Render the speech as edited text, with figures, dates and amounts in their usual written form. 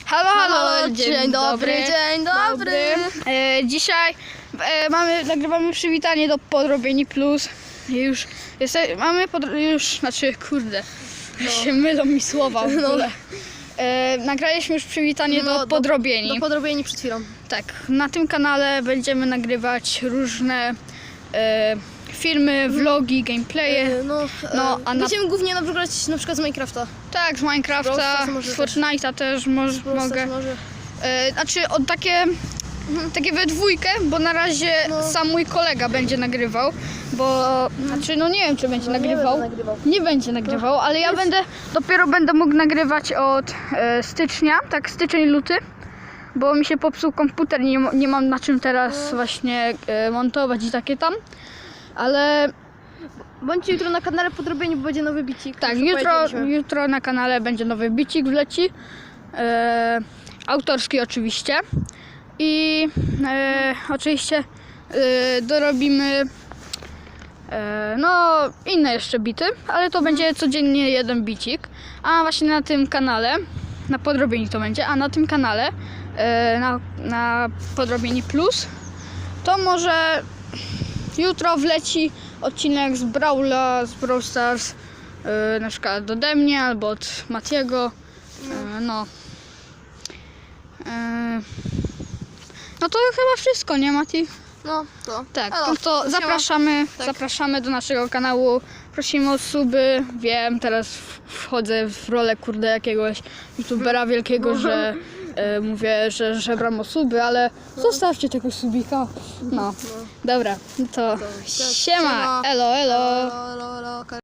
Halo, Dzień dobry. Dzisiaj nagrywamy przywitanie do Podrobieni Plus. Już się mylą mi słowa w ogóle. Nagraliśmy już przywitanie do Podrobieni. Do Podrobieni przed chwilą. Tak, na tym kanale będziemy nagrywać różne filmy, vlogi, gameplaye. Będziemy głównie grać na przykład z Minecrafta. Tak, z Minecrafta, z Fortnite'a też mogę. Znaczy takie we dwójkę, bo na razie sam mój kolega będzie nagrywał, bo nie wiem, czy będzie nagrywał. Nie będzie nagrywał, ale ja dopiero będę mógł nagrywać od stycznia, tak styczeń, luty, bo mi się popsuł komputer, nie mam na czym teraz właśnie montować i takie tam, ale Bądźcie jutro na kanale Podrobieni, bo będzie nowy bicik. tak, jutro na kanale będzie nowy bicik wleci, autorski oczywiście. I oczywiście dorobimy inne jeszcze bity, ale to będzie codziennie jeden bicik. A właśnie na tym kanale, na Podrobieni to będzie, a na tym kanale, na Podrobieni Plus, to może jutro wleci odcinek z Brawla, z Brawl Stars, na przykład ode mnie albo od Matiego. No to chyba wszystko, nie, Mati? Tak, to zapraszamy do naszego kanału. Prosimy o suby. Wiem, teraz wchodzę w rolę jakiegoś youtubera wielkiego, że mówię, że żebram o suby, ale zostawcie tego subika. Dobra, to siema, elo.